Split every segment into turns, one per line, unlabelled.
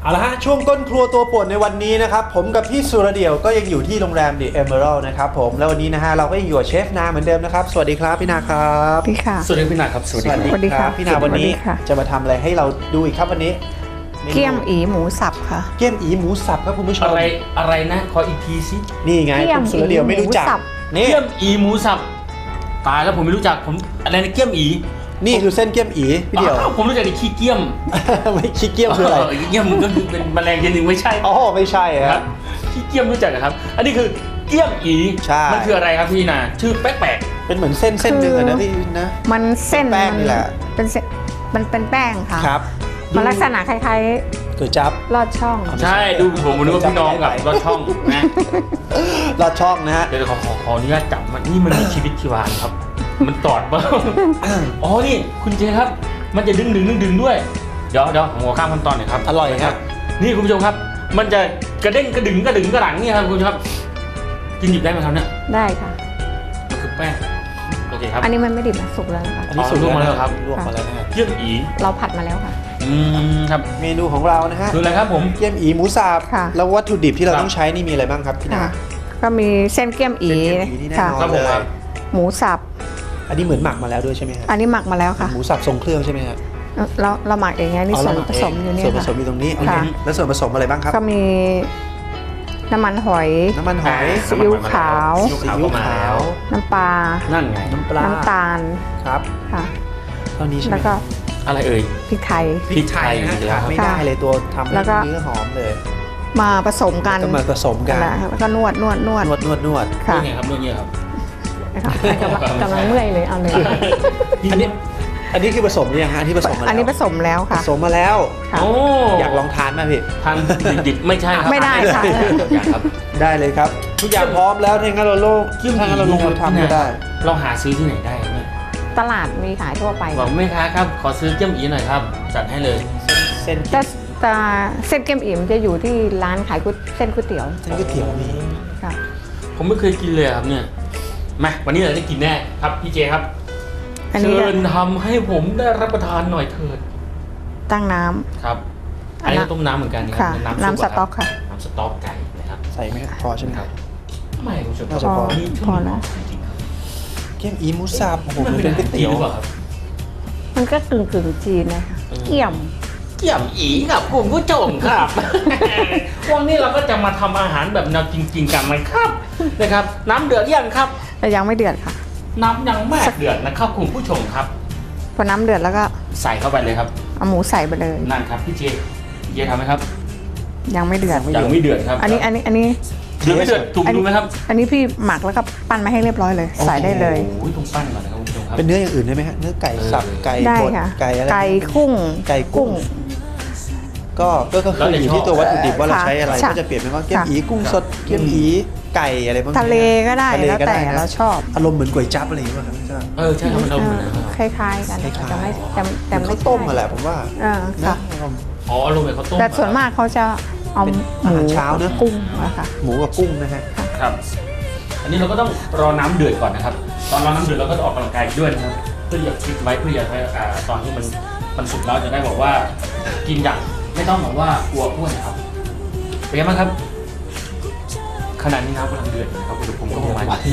เอาละฮะช่วงก้นครัวตัวป่วนในวันนี้นะครับผมกับพี่สุรเดี่ยวก็ยังอยู่ที่โรงแรม The Emerald นะครับผมแล้ววันนี้นะฮะเราก็ยังอยู่กับเชฟนาเหมือนเดิมนะครับสวัสดีครับพี่นาครับ
พี่ค่ะ
สวัสดีพี่นาครับสวัสดีครับ
สวัสดีค่ะ
พี่นาวันนี้
สวัสดีค่ะ
จะมาทำอะไรให้เราดูอีกครับวันนี้
เกี๊ยมอีหมูสับค่ะ
เกี๊ยมอีหมูสับครับคุณผู้ชม
อะไรนะขออีกทีสิ
นี่ไง
เกี๊ยม
คุณสุรเดี่ยวไม่รู้จัก
หมูสับ
นี่
เกี๊ยมอีหมูสับตายแล้วผมไม่รู้จักผมอะไรนะเกี๊ยมอี
นี่คือเส้นเกี๊ยมอีพี่เดี่ยว
อ้าวผมรู้จักแต่ขี้เกี๊ยม
ไม่ขี้เกี๊ยมคืออะไร
เกี๊ยมก็คือเป็นแมลงชนิดหนึ่งไม่ใช่
อ๋อไม่ใช่
ค
ค
รั
รั
บบ ขี้เกี๊ยมรู้จักครับ อันนี้คือเกี๊ยมอี
ใช่
มันคืออะไรครับพี่นาชื่อแปลก
เป็นเหมือนเส้นเส้นหนึ่งอะนะพี่นะ
มันเส้น
แป้งนี่แหละ
เป็นเส้นมันเป็นแป้งค่ะ
ครับ
มันลักษณะคล้าย
ก๋วยจั๊บ
ๆลอดช่อง
ๆใช่ดูผมนึกว่าพี่น้องกับรถช่องนะ
ลอดช่องนะฮะ
เดี๋ยวขออนุญาตจับมันนี่มันมีชีวิตชีวาครับ มันตอดบ้างอ๋อนี่คุณเจครับ มันจะดึงด้วยเดี๋ยวผมขอข้ามขั้นตอนหน่อยครับ
อร่อยครับ
นี่คุณผู้ชมครับ มันจะกระเด้งกระดึงกระหลังเนี่ยครับคุณผู้ชมครับกินหยิบได้ไหมครับเนี่ย
ได้ค่ะ
มันคือแป้งโอเคครับ
อันนี้มันไม่ดิบนะสุกแล้วนะคะ
อันนี้
อ๋อ
สุก
ลวกมาแล้วครับ
ลวกมาแล้วนะฮะ
เกี๊ยมอี
เราผัดมาแล้วค่ะ
ครับ
เมนูของเรานะฮะ
คืออะไรครับผม
เกี๊ยมอีหมูสับ
ค่ะ
แล้ววัตถุดิบที่เรา
ครับ
ต้องใช้นี่มีอะไรบ้างครับพี่นา
ค่ะ ก็มีเส้นเกี๊ยมอี
เส้นเกี๊ยมอีนี่แน่
ค่ะ
นอน
ครับผมครับ
หมูสับ
อันนี้เหมือนหมักมาแล้วด้วยใช่ไหมฮะ
อันนี้หมักมาแล้วค่ะ
หมูสับทรงเครื่องใช่ไหมฮะ
เราหมักเองไงนี่ส่วน
เราห
ผสมอยู่เนี่ย
ส่วนผ
ค่ะ
สมอยู่ตรงนี้
ค่ะ
แล้วส่วนผสมอะไรบ้างครับ
ก็มีน้ำมันหอย
น้ำมันหอย
ซีอิ๊วขาว
ซีอิ๊วขาวก็มาแล้ว
น้ำปลา
นั่นไง
น้ำปลา
น้ำตาล
ครับ
ค่ะ
เท่านี้ใช่ไหม
แล้วก็
อะไรเอ่ย
พริกไทย
พริกไทยนะ
พริกไทย
ขาดไม่ได้เลยตัวทำ
แล้
ให้
วก็
เนื้อหอมเลย
มาผสมกัน
ก็มาผสมกัน
แล้วก็นวด
นวด
ค่ะ
นี่ไงครับนี่ครับ
นะคะกำลังเมื่อยเลยเอาเลย
อันนี้คือผสมหรือยังฮะอันนี้ผสมมาแล้ว
อันนี้ผสมแล้ว
ผ
ค่ะ
สมมาแล้ว
ค่ะ
โอ้
อยากลองทานไหมพี่
ทานดิบๆไม่ใช่ครับ
ไม่ได้ค่ะ
อยากครับ
ได้เลยครับ ทุกอย่างพร้อมแล้วถ้างั้นเราถ้างั้นเราลงมือทำก็ได้
เราหาซื้อที่ไหนได้ครับเนี่ย
ตลาดมีขายทั่วไป
บอกแม่ค้าครับขอซื้อเกี๊ยมอีหน่อยครับจัดให้เลย
เส้น
แต่เส้นเกี๊ยมอิ่มจะอยู่ที่ร้านขายเส้นก๋วยเตี๋ยว
ก๋วยเตี๋ยวมี
ค่ะ
ผมไม่เคยกินเลยครับเนี่ยมาวันนี้เราได้กินแน่ครับพี่เจครับ
อันนี้
เชิญทำให้ผมได้รับประทานหน่อยเถิด
ตั้งน้ำ
ครับอันนี้ก็ต้มน้ำเหมือนกันนะครั
ค่ะ
ซุป
น้ำสต๊อกค่ะ
น้ำสต๊อกไก่นะครับ
ใส่ไหมครับพอใช่ไหมครับ
ไม่คุณผู้ชม
น่าจะพอ
นี่
พอแล้ว
จริงๆครับ
เกี๊ยมอีหมูสับโอ้โห
มัน
มัน
เป็
เป็น นก๋วย
อาหารจีน
เตี๋ยว
หรือเปล่าครับ
มันก็กึ่งจีนนะคะเกี่ยม
เกี่ยมอีครับคุณผู้ชมครับ วันนี้เราก็จะมาทำอาหารแบบแนวจริงๆกันนะครับนะครับ น้ำเดือดยังครับ
แต่ยังไม่เดือดค่ะ
น้ำยังไม่เดือดนะครับคุณผู้ชมครับ
พอน้ำเดือดแล้วก็
ใส่เข้าไปเลยครับ
เอาหมูใส่ไปเลย
นั่นครับพี่เจทำไหมครับ
ยังไม่เดือด
ยังไม่เดือดครับ
อันนี้
เดือดไม่เดือดถูกดูไหมครับ
อันนี้พี่หมักแล้วก็ปั้นมาให้เรียบร้อยเลย ใส่ได้เลย
โอ้ยต้องปั้นก่อนนะครับคุณผู้ชมครับ
เป็นเนื้ออย่างอื่นได้ไหมฮะเนื้อไก่สับไก่
ได้
บด
ค่ะ
ไก่อะไร
ไก่กุ้ง
ไก่กุ้ง ก็คืออยู่ที่ตัววัตถุดิบว่าเราใช้อะไร
ค่ะ
ก็จะเปลี่ยนเป็นว่าเกี๊ยม
ค่ะ
อีกุ้งสดเกี๊ยมอีไก่อะไรพวกนี้
ทะเลก็ได้
ทะเล
แล้ว
ก็
แต่
ได้นะ
เราชอบ
อารมณ์เหมือนก๋วยจั๊บอะไรอย่างเงี้ยครับใช่ไหม
ใช่ครับมันเอาเหมือนนะครับ
คล้ายๆกัน
คล้ายๆ
แต่ไม่แต่
เหมือน
ไม่
ข้าวต้มมาแหละผมว่า
เออ
นะ
ค่ะ
อ๋ออารมณ์แบบข้าวต้ม
แต่ส่วนมากเขาจะเอา
เป็น
ห
อา
มู
หารเช้าเนอะ
กุ้งนะคะ
หมูกับกุ้งนะฮะ
ครับ อันนี้เราก็ต้องรอน้ำเดือดก่อนนะครับ ตอนรอน้ำเดือดเราก็จะออกกำลังกายด้วยนะครับเพื่ออยากฟิตไว้เพื่ออยากให้ตอนที่มันสุกแล้วจะได้บอกว่ากินอย่างไม่ต้องบอกว่ากลัวอ้วนนะครับเป็นไงบ้างครับขณะนี้น้ำกำลังเดือดอยู่นะครับอุณหภูมิก็ประมาณที่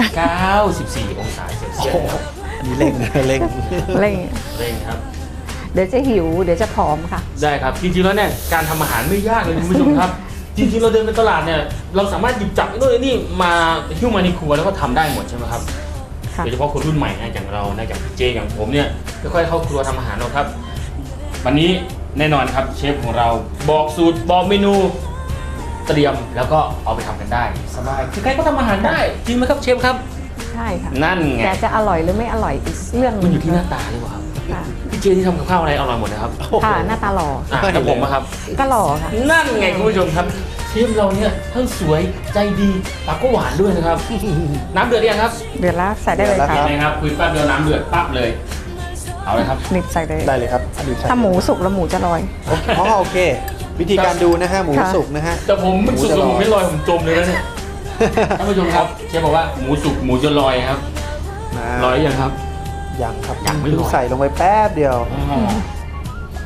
94 องศาเซลเซียสนะครับ
อันนี้เร่งนะเร่ง
อะไรอย่างเงี้ย
เร่งครับ
เดี๋ยวจะหิวเดี๋ยวจะผอมค่ะ
ได้ครับจริงๆแล้วเนี่ยการทำอาหารไม่ยากเลยคุณผู้ชมครับ จริงๆเราเดินไปตลาดเนี่ยเราสามารถหยิบจับไอ้นู่นไอ้นี่มาหิ้วมาในครัวแล้วก็ทำได้หมดใช่ไหมครับ
ค่ะ
โดยเฉพาะคนรุ่นใหม่นะอย่างเรานะอย่างเจอย่างผมเนี่ยค่อยๆเข้าครัวทำอาหารเราครับ วันนี้แน่นอนครับเชฟของเราบอกสูตรบอกเมนูเตรียมแล้วก็เอาไปทำกันได้สบายใครๆก็ทำอาหารได้จริงไหมครับเชฟครับ
ใช่ค่ะ
นั่นไง
แต่จะอร่อยหรือไม่อร่อยอีกเรื่องห
มัน
ง
อยู่ที่หน้าตาหรือเปล่าครับ
ค่ะ
พี่เจที่ทำกับข้าวอะไรอร่อยหมดนะครับ
ค่ะหน้าตาหล่อ
แล้วผมอะครับ
ก็หล่อค่ะ
นั่นไงคุณผู้ชมครับเชฟเราเนี่ยทั้งสวยใจดีปากก็หวานด้วยนะครับ น้ำเดือดหรือยังครับ
เดือดแล้วใส่ได้เลย
เดือดแล้ว
ค่ะ
เห็นไหมครับคุยแป๊บเดียวน้ำเดือดปั๊บเลย เอาเลยครับ
นิบใส่เลย
ได้เลยครับอันนี้ใช่
ถ้าหมูสุกแล้วหมูจะลอย
อ๋อโอเค วิธีการดูนะฮะหมู
ค่ะ
สุกนะฮะ
แต่ผมมันสุก
หมูจะ
แล้ว
ลอย
ผมไม่ลอยผมจมเลยนะเนี่ยท่านผู้ชมครับเชฟบอกว่าหมูสุกหมูจะลอยครับลอยยังครับ
ยังครับ
ยังไม่
เพิ่
ลอย
ใส่ลงไปแป๊บเดียว
อ๋อ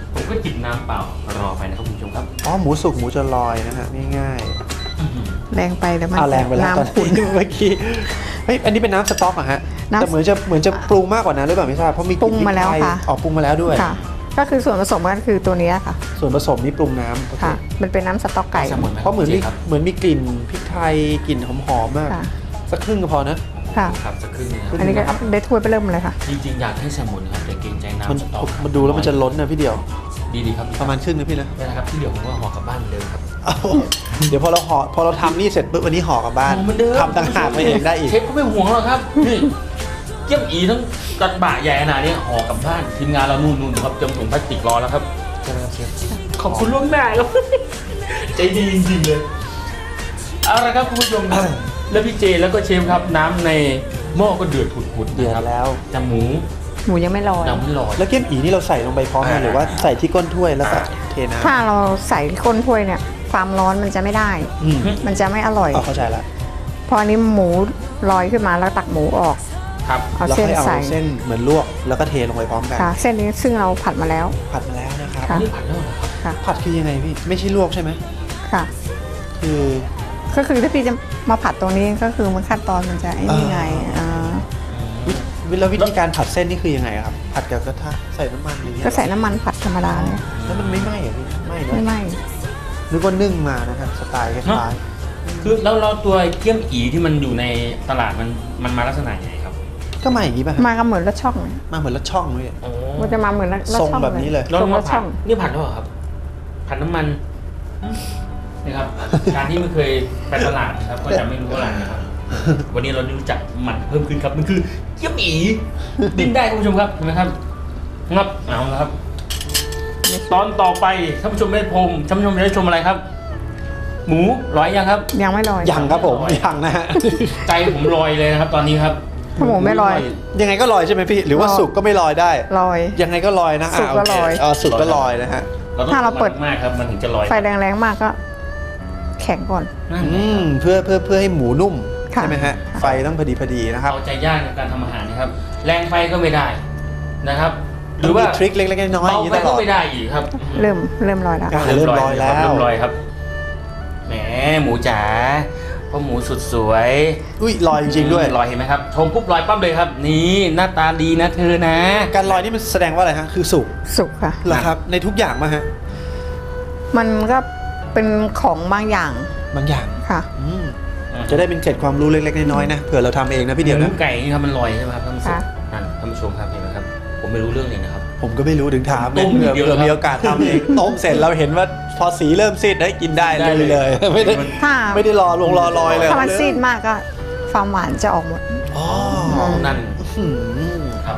ผมก็จิบน้ำเปล่ารอไปนะครับคุณผู้ชมครับ
อ๋อหมูสุกหมูจะลอยนะฮะง่าย
แรงไปแล้วมัน
ๆแรงไปแล้วตอน
น้ำขุ่น
นี้เมื่อกี้เฮ้ยอันนี้เป็นน้ำสต๊อกอะฮะ
น้ำ
แต่เหมือนจะปรุงมากกว่านั้นหรือเปล่าไม่ทราบเพราะมีก
ปรุ
ลิ่น
งมาแล้ว
พริกไทย
ค่ะ
อ๋อปรุงมาแล้วด้วย
ค่ะ ก็คือส่วนผสมก็คือตัวเนี้ยค่ะ
ส่วนผสมนี่ปรุงน้ำโอเค
ค่ะ มันเป็นน้ำสต๊อกไก่
แซลมอนไหม
เพราะเหมือนมี
ครับ
กลิ่นพริกไทยกลิ่นหอมๆมาก
ค่ะ
สักครึ่งก็พอนะ
ค่ะ
ครับสักครึ่งนะค
อันนี้ก็ได้ถ้วยไปเริ่มเลยค่ะ
จริงๆอยากให้แซลมอนนะครับแต่เกรงใจ
มัน
น้ำสต๊อก
มันดูแล้วมันจะล้นนะพี่เดียว
ดีๆครับ
ประมาณครึ่งนะพี่นะ
นี่นะครับที่เหลือผมก็ห่อกลับบ้านเหมือนเดิมครับ
เดี๋ยวพอเราทำนี่เสร็จปุ๊บวันนี้ห่อกลับบ้าน
เหมือนเดิม
ทำต่างหากไปเองได้อีก
เชฟก็ไม่ห่วงหรอกครับนี่เกี๊ยมอีทั้งกระบะใหญ่ขนาดนี้ห่อกลับบ้านทีมงานเรานู่นครับเตรียมถุงพลาสติกรอแล้วครับใช่ไหมครับเชฟขอบคุณล่วงหน้าครับ ใจดีจริงๆเลยเอาละครับคุณผู้ชมครับแล้วพี่เจแล้วก็เชฟครับน้ำในหม้อก็เดือดผุดๆ
เดือ
นะ
ด
ครับ
แล้ว
แต่หมู
หมูยังไม่ลอย
ยังไม่ลอย
แล้วเกี๊ยมอีนี่เราใส่ลงไปพร้อมกันหรือว่าใส่ที่ก้นถ้วยแล้วก็เทน้ำ
ถ้าเราใส่ก้นถ้วยเนี่ย ความร้อนมันจะไม่ได้
อืม
มันจะไม่อร่อย
อ๋อเข้าใจละ
พออันนี้หมูลอยขึ้นมาแล้วตักหมูออก
ครับ
เอา
แล้ว
เส้น
ค่อยเอา
ใส่
เส้นเหมือนลวกแล้วก็เทลงไปพร้อมกัน
ค่ะ เส้นนี้ซึ่งเราผัดมาแล้ว
ผัดมาแล้วนะครับ
ค่ะ
นี่ผัดแล้วเหรอครับ
ค่ะ
ผัดคือยังไงพี่ไม่ใช่ลวกใช่ไหม
ค่ะ
คือ
ก็คือถ้าพี่จะมาผัดตรงนี้ก็คือมันขั้นตอนมันจะไอ้นี่ไง
แล้ววิธีการผัดเส้นนี่คือยังไงครับผัดกับกระทะใส่น้ำมันอย่างเงี้ย
ก็ใส่น้ำมันผัดธรรมดาเลย
แล้วมันไม่ไหม้เหรอพี่ไหม้เน
ไม่
อะ
ไหม้
นึกว่านึ่งมานะครับสไตล์คล้าย
คือแล้วเราตัวเกี๊ยมอีที่มันอยู่ในตลาดมันมาลักษณะยังไงครับ
ๆก็มาอย่างนี้ป่ะฮะ
มาก็เหมือนรถช่องเลย
มาเหมือนรถช่องเลย
มันจะมาเหมือนรถ
ทรง
ช่อง
แบบนี้เลย
เรา
ทรง
มาร
ถ
ผั
ช่
ด
อง
นี่ผัดแล้วเหรอครับ ผัดน้ำมันนี่ครับ การที่ไม่เคยไปตลาดนะครับ ก็จะไม่รู้อะไรนะครับ วันนี้เราได้รู้จักมันเพิ่มขึ้นครับ มันคือเกี๊ยมอีดิ้นได้คุณผู้ชมครับเห็นไหมครับงับเอาละครับ ตอนต่อไปท่านผู้ชมได้ชมท่านผู้ชมได้ชมอะไรครับ หมูร้อยยังครับ
ยังไม่ลอย
ยังครับผมยังนะฮะ
ใจผมลอยเลยนะครับ ตอนนี้ครับ
ถ้าหมูไม่ลอย
ยังไงก็ลอยใช่ไหมพี่ หรือว่า
ลอย
สุกก็ไม่ลอยได้
ลอย
ยังไงก็ลอยนะ
สุกก็
โเค
ลอย
สุกก็ลอยนะฮะ
เราต้อง
ถ้าเราเปิด
มากครับ มันถึงจะลอย
ไฟแรงๆมากก็ แข็งก่อน
นั่น
เพื่อให้หมูนุ่ม
ค่ะ
ใช่ไหมฮะ
ค่ะ
ไฟต้องพอดีนะครับ
เอาใจยากในการทำอาหารนะครับ แรงไฟก็ไม่ได้นะครับ หรือว่า
มีทริคเล็กๆน้อยๆอ
เบา
ย่างนี้
ไป
ตล
ก็
อด
ไม่ได้อีกครับ
เริ่มลอยแล้ว
เริ่มลอยแล้ว
เริ่มลอยครับแหมหมูจ๋าพ่อหมูสุดสวย
อุ้ยลอยจริงๆด้วย
ลอยเห็นไหมครับชมปุ๊บลอยปั๊บเลยครับ นี่หน้าตาดีนะเธอนะ
การลอยนี่มันแสดงว่าอะไรฮะคือสุก
สุกค่ะ
เหรอครับในทุกอย่างมาฮะ
มันก็เป็นของบางอย่าง
บางอย่าง
ค่ะ
จะได้เป็นเกร็ดความรู้เล็กๆน้อยๆนะเผื่อเราทำเองนะพี่เดียว
หมู
นะ
ไก่นี่ครับมันลอยใช่ไหมครับท่านผู้ชม
ค่ะ
นั่นท่านผู้ชมครับเห็นไหมครับ ผมไม่รู้เรื่องเลยนะครับ
ผมก็ไม่รู้ถึงถาม
ต้ม
เผื่อ
นิดเดียว
เผื่อ
ครับ
มีโอกาสทำเอง ต้มเสร็จเราเห็นว่าพอสีเริ่มซีดได้กินได้
ได้
เลย ไม่ได้
ถ้า
ไม่ได้รอลอยเลย
ถ้ามันซีดมากก็ความหวานจะออกหมด
อ๋อ
นั่น
อืม
ครับ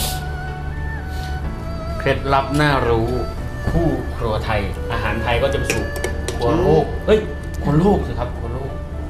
เคล็ดลับน่ารู้คู่ครัวไทย อาหารไทยก็จะไปสู่ครัวโลกเฮ้ยครัวโลกสิครับครัวโลก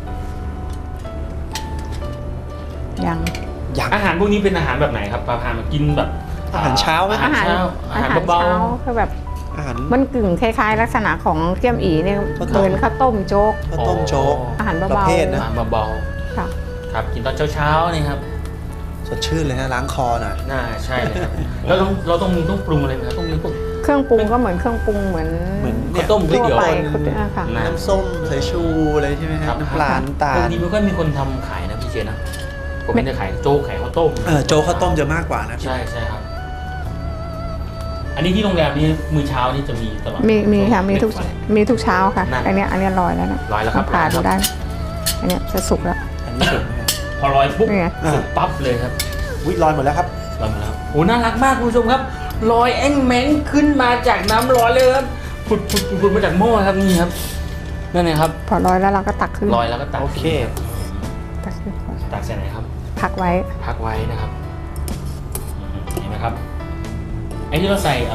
ยัง
อย่าง
อาหารพวกนี้เป็นอาหารแบบไหนครับปลาพามากินแบบ
อาหารเช้าไหม
อาหารเช้าอาหารเบา
คือแบบ
อาหาร
มันกึ่งคล้ายๆ ลักษณะของเกี๊ยมอีเนี่ย
ข้าวต้ม
เหมือนข้าวต้มโจ๊ก
ข้าวต้มโจ๊ก
อาหาร
ประ
เบา
เภท
ๆ
นะ
อาหารเบา
ๆค่ะ
ๆครับกินตอนเช้าๆนี่ครับ
สดชื่นเลยนะล้างคอหน่อย
น่าใช่เลยครับแล้วต้องปรุงอะไรไหมครับต้องมีพวก
เครื่องปรุงก็เหมือนเครื่องปรุงเหมือน
เหมือน
ข้าวต้มก๋วย
ทั่ว
เตี๋ยว
ไป
คน
ค่ะ
นะ
น้ำส้มสายชูอะไรใช่ไหมฮะน้ำปลาน้ำตา
พว
ล
กนี้ไม่ค่อยมีคนทำขายนะพี่เจนะผมไม่ได้ขายโจ๊กขายข้าวต้ม
โจ๊กข้าวต้มจะมากกว่านะ
ใช่ใช่ครับ อันนี้ที่โรงแรมนี้มื้อเช้านี่จะมีตลอด
มีค่ะมีทุก
เบรกฟาสต์
มีทุกเช้าค่ะ
นั่น
อันเนี้ยลอยแล้วนะ
ลอยแล้วครับ
ผ่า
ลอยแล้ว
ดูได้ อันเนี้ยจะสุกแล้ว
อันนี้สุดไหมฮะ
พอลอยปุ๊บ
นี่ไง
สุกปั๊บเลยครับ
อุ๊ยลอยหมดแล้วครับ
ลอยมาแล้วโอ้น่ารักมากคุณผู้ชมครับลอยแอ้งแมงขึ้นมาจากน้ำร้อนเลยครับผุดมาจากหม้อครับนี่ครับนั่นไงครับ
พอลอยแล้วเราก็ตักขึ้น
ลอยแล้วก็ตัก
โอเค
ตักขึ้นก่อน
ตักใส่ไหนครับ
พักไว้
พักไว้นะครับเห็นไหมครับไอ้ที่เราใส่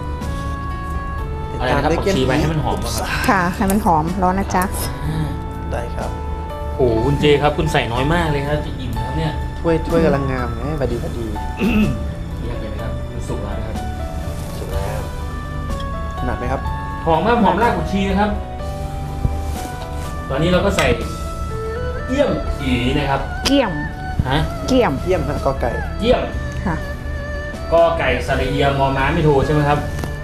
อะไรนะครับผักชีไว้ให้มันหอมอะครับ
ค่ะให้มันหอมร้อนนะจ๊ะ
ได้ครับ
โอ้โหคุณเจครับคุณใส่น้อยมากเลยครับจะอิ่มนะครับเนี่ย
ถ้วยกำลังงามนะพอดี
เยี่ยมเลยนะครับมันสุกแล้วนะครับสุกแล้ว
ถนัดไหมครับ
หอมมากหอมรากผักชีนะครับ ตอนนี้เราก็ใส่เยี่ยมอีนะครับ
เกี่ยม
ฮะ
เกี่ยม
เยี่ยมฮะกอไก่
เยี่ยม
ค่ะ
ก็ไก่สระเอียมอม้าไม่โทใช่ไหมครับ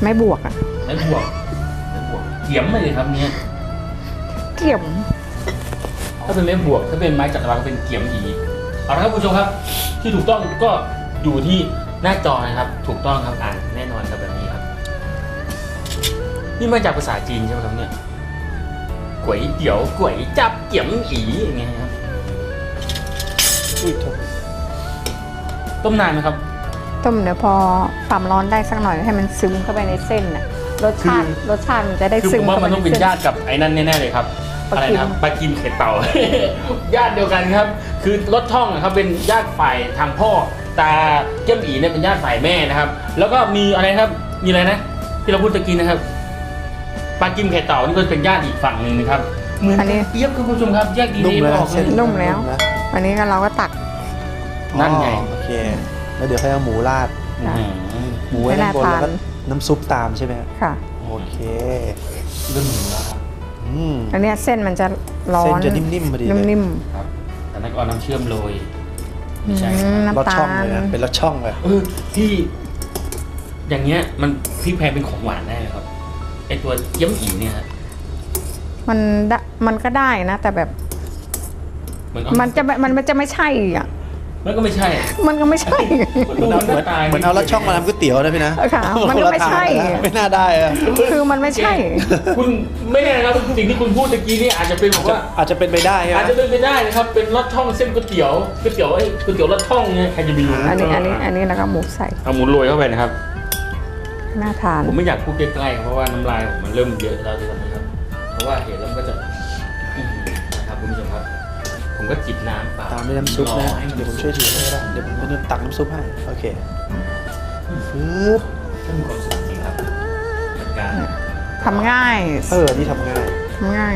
ไม่บวกอ่ะ
ไม่บวกเขียมมาเลยครับเนี่ย
เกี่ยม
ถ้าเป็นไม้บวกถ้าเป็นไม้จักรวาลก็เป็นเขียมหีเอาละครับคุณผู้ชมครับ ที่ถูกต้องก็อยู่ที่หน้าจอนะครับ ถูกต้องครับอ่านแน่นอนครับแบบนี้ครับนี่มาจากภาษาจีนใช่ไหมครับเนี่ยก๋วยเตี๋ยวก๋วยจับเกี่ยมอีอย่างเงี้ยครับ
อุ้ยโถ
ต้มนานไหมครับ
ต้มเดี๋ยวพอความร้อนได้สักหน่อยให้มันซึมเข้าไปในเส้นน่ะรสชาติมันจะได้
คือ
ซึ
ผม มว่ามันต้องเป็นญาติกับไอ้นั่นแน่ๆเลยครับ
ปลา
อะไร
กิม
นะครับปลากิมเข็ดเต่า ญาติเดียวกันครับ คือรถท่องนะครับเป็นญาติฝ่ายทางพ่อตาเจ้มอีเนี่ยเป็นญาติฝ่ายแม่นะครับ แล้วก็มีอะไรครับมีอะไรนะ ที่เราพูดตะกี้นะครับปลากิมเข็ดเต่านี่ก็เป็นญาติอีกฝั่งหนึ่งนะครับเหมือนกันเปรียบครับคุณผู้ชมครับแยกดี
นุ่ม
ๆไม่
แล้ว
ออกเล
เส้
ย
น
นุ่มแล้ว
นะ
วันนี้ก็เราก็ตัก
นั่นไง
อ๋อโอเคแล้วเดี๋ยวค่อยเอาหมูราด
ค่ะ
หมูไว้ด้านบน
ไม่น่า
แล้วก็
ทาน
น้ำซุปตามใช่ไหมครับ
ค่ะ
โอเค
เรื่องหมูแล้วครับ
อืม
อันเนี้ยเส้นมันจะร้อ
เส้น
น
จะนิ่มๆพอดีเลย
นิ่ม
ครับแต่นั้นก็เอาน้ำเชื่อมโรย
ๆ
ไม่ใช่
อืม
รส
น้ำตา
ช่อง
ล
เลยนะเป็นรสช่องเลย
ที่อย่างเงี้ยมันพี่แพรเป็นของหวานได้ไหมครับไอตัวเยี่ยมอีเนี่ยครับ
มันก็ได้นะ แต่แบบ มันจะไม่ใช่อ่ะ
มันก็ไม่ใช่
มันก็ไม่ใช่
เหมือนเอารสช่องมาทำก๋วยเตี๋ยวนะพี่นะ
ค่ะมันก็ไม่ใช่
ไม่น่าได้อะ
คือมันไม่ใช่
คุณไม่แน่นะครับสิ่งที่คุณพูดตะกี้นี่อาจจะเป็นแบบว่า
อาจจะเป็นไปได้
อาจจะเป็นไปได้นะครับ เป็นรสช่องเส้นก๋วยเตี๋ยวก๋วยเตี๋ยวรสช่องเนี่ยใครจะไปรู้
อันนี้แล้วก็หมูใส่
เอาหมูโรยเข้าไปนะครับ
น่าทาน
ผมไม่อยากพูดใกล้ๆครับเพราะว่าน้ำลายผมมันเริ่มเยอะแล้วตอนนี้ครับ เพราะว่าเห็นแล้วมันก็จะนะครับคุณผู้ชมครับ ผมก็จิบน้ำเปล่า
ตามด้วยน้ำซุปนะ
รอให้น
เดี๋ยวผมช่วยถือให้ก็ได้เดี๋ยวผมเป็นตักน้ำซุปให้โอเคปึ๊บ
ก็มีความสุขจริงครับกับการ
ทำง่าย
นี่ทำง่าย
ทำง่าย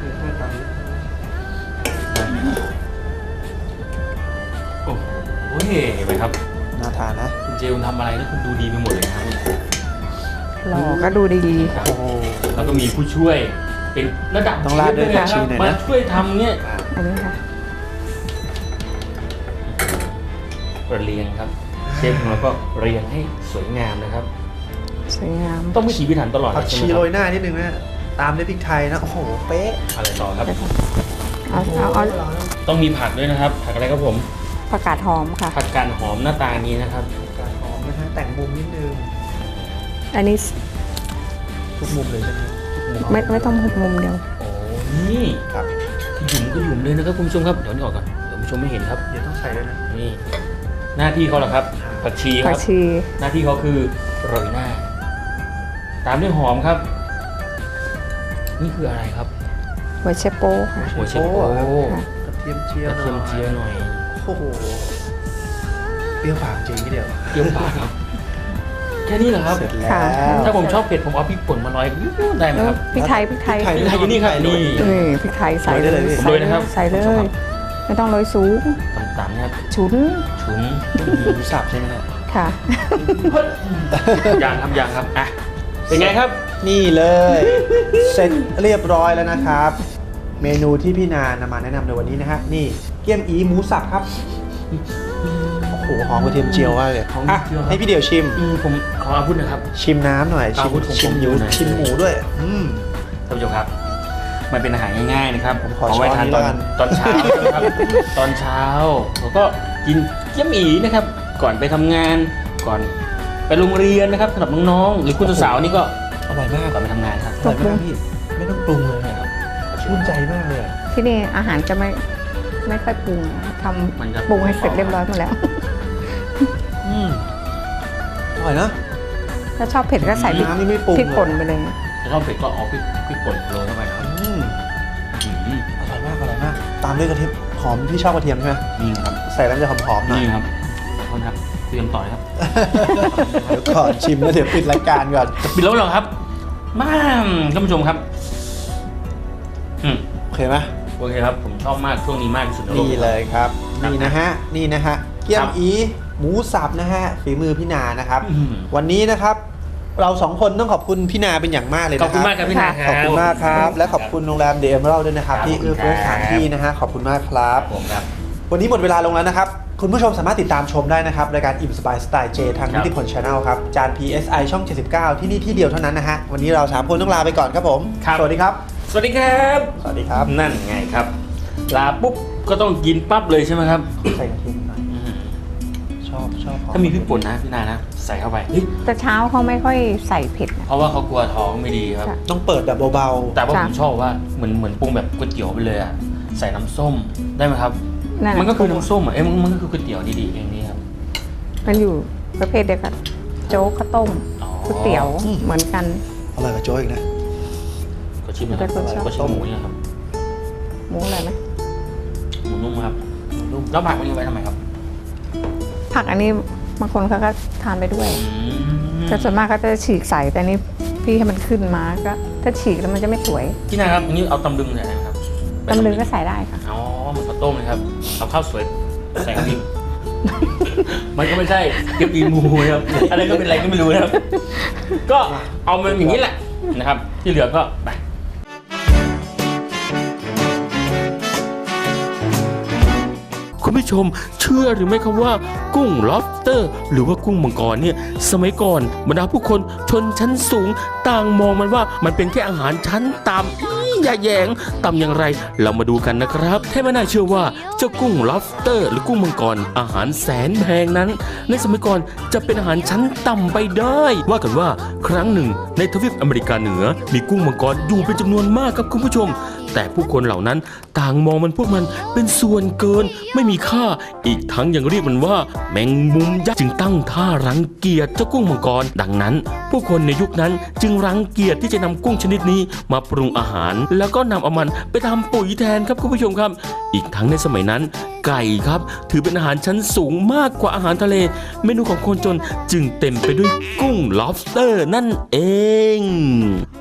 โอ้โหเห็นไหมครับ
น่าทานนะ
คุณเจลทำอะไรนี่คุณดูดีไปหมดเลยนะครับ
หล่อก็ดูดี
ครับ
โอ้โห
แล้วก็มีผู้ช่วยเป็นระดับ
ต้องราดด้วย
เชฟ
ผักชีหน่อยนะ
มาช่วยทำเนี่ย
อันนี้ค่ะ
เรียงครับเชฟของเราก็เรียงให้สวยงามนะครับ
สวยงาม
ต้องพิถีพิถันตลอด
ผัก
ใช่
ชี
ไหมค
โร
รับ
ยหน้านิดนึงนะตามด้วยพริกไทยนะโอ้โหเป๊ะ
อะไรต่อครับ
เอา
ต้องมีผักด้วยนะครับ ผักอะไรครับผม
ผักกาดหอมค่ะ
ผักกาดหอมหน้าตานี้นะครับ
การหอมนะฮะแต่งมุมนิดนึง
อันนี้
ทุกมุมเลยใช่ไหมทุกมุม
ไม่ต้องหุบมุมเดียว
โอ้นี่
ครับ
หยุ่มก็หยุ่มเลยนะครับคุณผู้ชมครับเดี๋ยวนี้ออกก่อนเดี๋ยวคุณผู้ชมไม่เห็นครับ
เดี๋ยวต้องใส่ด้วยนะ
นี่หน้าที่เขาแหละครับ ผักชีค
ผั
รั
ก
บ
ชี
หน้าที่เขาคือโรยหน้า ตามด้วยหอมครับ นี่คืออะไรครับ
หัวเชโป้ค่ะ
หัวเชฟโอ้
ค่ะ
กระเทียมเจียว
กระเทียมเจียวหน่อย
โอ้โหเปรี้ยวปากจริงทีเดียว
เปรี้ยวปากครับ แค่นี้เหรอครับ
เสร็จแล้ว
ค่ะ
ถ้าผมชอบเผ็ดผมเอาพริกป่นมาลอยได้ไหมครับ
พริกไทย
พริกไทย
พริกไทยอยู่นี่ครับนี่
พริกไทยใส่
โรยได้เลยพี่
ใส่
โรยนะครับ
ใส่เลย ไม่ต้องโรยสูง
ต่ำๆนะครับ
ฉุน
ฉุน
หมูสับใช่ไหมเนี่ย
ค่ะ
ยางครับอ่ะเป็นไงครับ
นี่เลย เสร็จเรียบร้อยแล้วนะครับ เมนูที่พี่นานำมาแนะนำในวันนี้นะฮะนี่เกี๊ยมอีหมูสับครับโอ้โหหอมกระเทียมเจียวมากเลย
หอมก
อ่ะ
ระเทียมครับ
ให้พี่เดี่ยวชิม
ผมขออาวุธนะครับ
ชิมน้ำหน่อยชิม
อาวุธของผม
ชิมหมู
อยู่ไหน
ชิมหมูด้วย
ท่านผู้ชมครับ มันเป็นอาหารง่ายๆนะครับ
ผมขอ
เอาไว้ทาน
ช้อนนี้
ตอน
แล้วกัน
เช้านะครับ ตอนเช้าเราก็กินเกี๊ยมอีนะครับ ก่อนไปทำงาน ก่อนไปโรงเรียนนะครับสำหรับน้องๆหรือคุณสาวๆนี่ก็
อร่อยมาก
ก่อนไปทำงานครับ
อร่อยมากพี่ไม่ต้องปรุงเลยนะครับชื่นใจมากเลยอะ
ที่นี่อาหารจะไม่ค่อยปรุงท
มันจะ
ำปรุงให้เสร็จเรียบร้อยหมดแล้ว
อร่อยนะ
ถ้าชอบเผ็ดก็ใส่พริก
น้ำนี่ไม่ปรุง
พริกป่นไปเลย
ถ้าชอบเผ็ดก็เอาพริกป่นโรยเข้าไปครับ
อืม
อืม
อร่อยมากอร่อยมาก ตามด้วยกระเทียมหอมพี่ชอบกระเทียมใช่ไหม
นี่ครับ
ใส่แล้วจะหอมๆหน่อย
นี่ครับขอโทษครับเตรียมต่อยครับ
เดี๋ยวก่อนชิมแล้วเดี๋ยวปิดรายการก่อน
จะปิดแล้วเหรอครับมาท่านผู้ชมครับ
โอเคไหม
โอเคครับ ผมชอบมากช่วงนี้มากที่สุดในโลก
นี่เลยครับ
ครับ
นี่นะฮะนี่นะฮะเกี๊ย
ครั
ม
บ
อีหมูสับนะฮะฝีมือพี่นานะครับ
อืม
วันนี้นะครับ เราสองคนต้องขอบคุณพี่นาเป็นอย่างมากเลย
ขอบ
นะค
คุณ
รับ
มากครับพี่นาค
ข
รั
อบบ คุณมากครับ และขอบคุณโรงแรมเดอะเอเมอรัลด้วยนะครับ
ครับ
ที่เอื้อเฟื้อสถานที่นะฮะขอบคุณมากครับ
ผมครับ
วันนี้หมดเวลาลงแล้วนะครับคุณผู้ชมสามารถติดตามชมได้นะครับรายการอิ่มสบายสไตล์เจทางนิติพล Channel ครับจาน PSI ช่อง 79 ที่นี่ที่เดียวเท่านั้นนะฮะวันนี้เรา3คนต้องลาไปก่อนครับผม
ครับ
สวัสดีครับ
สวัสดีครับ
สวัสดีครับ
นั่นไงครับลาปุ๊บก็ต้องกินปั๊บเลยใช่ไหมครับ
ใส่กระเทียมหน่อยชอบหอ
ถ้ามีพริกป่นนะพี่นานะใส่เข้าไปเฮ้ย
แต่เช้าเขาไม่ค่อยใส่เผ็ดนะ
เพราะว่าเขากลัวท้องไม่ดีครับ
ค่ะ
ต้องเปิดแบบเบา
แต่ว่า
จ้ะ
ผมชอบว่าเหมือนปรุงแบบก๋วยเตี๋ยวไปเลยอ่ะใส่น้ำส้มได้ไหมครับ
นั่น
มันก็คือ
น่ะ
น้ำส้มอ่ะมันก็คือก๋วยเตี๋ยวดีๆอย่างนี้ครับ
มันอยู่ประเภทเดียวกันโจ๊กข้าวต้ม
อ๋อ
ก๋วยเตี๋ยวเหมือนกัน
ๆอร่อยกว่าโจ้อีกนะ
ก็ชิมนะครับ
เป็นคนชอบ
ก็ชิมหมูนี่นะครับ
หมูอะไรไหม
หมูนุ่มครับนุ่มแล้วผักมันนี้ไว้ทำไมครับ
ผักอันนี้บางคนเขาก็ทานไปด้วย แต่ส่วนมากก็จะฉีกใส่แต่นี่พี่ให้มันขึ้นมาก็ถ้าฉีกแล้วมันจะไม่สวย
พี่นาครับอันนี้เอาตำลึงใส่ได้ไหมครับ
ตำลึงก็ใส่ได้ค่ะ
อ๋อเหมือนข้าวต้มเลยครับเอาข้าวสวยใส่กะทิ มันก็ไม่ใช่เกี๊ยวปีหมูครับอะไรก็เป็นอะไรก็ไม่รู้นะครับ ก็เอามันอย่างนี้แหละนะครับ ที่เหลือก็ไป คุณผู้ชมเชื่อหรือไม่ครับว่ากุ้ง lobster หรือว่ากุ้งมังกรเนี่ยสมัยก่อนบรรดาผู้คนชนชั้นสูงต่างมองมันว่ามันเป็นแค่อาหารชั้นต่ำอย่าแยงต่ำอย่างไรเรามาดูกันนะครับแค่ไม่น่าเชื่อว่าเจ้ากุ้ง lobster หรือกุ้งมังกรอาหารแสนแพงนั้น ในสมัยก่อนจะเป็นอาหารชั้นต่ำไปได้ ว่ากันว่าครั้งหนึ่งในทวีปอเมริกาเหนือมีกุ้งมังกรอยู่เป็นจำนวนมากครับคุณผู้ชม แต่ผู้คนเหล่านั้นต่างมองมันพวกมันเป็นส่วนเกินไม่มีค่าอีกทั้งยังเรียกมันว่าแมงมุมยักษ์จึงตั้งท่ารังเกียจเจ้ากุ้งมังกรดังนั้น ผู้คนในยุคนั้นจึงรังเกียจที่จะนำกุ้งชนิดนี้มาปรุงอาหาร แล้วก็นำเอามันไปทำปุ๋ยแทนครับคุณผู้ชมครับ อีกทั้งในสมัยนั้น ไก่ครับถือเป็นอาหารชั้นสูงมากกว่าอาหารทะเล เมนูของคนจนจึงเต็มไปด้วยกุ้ง lobster นั่นเอง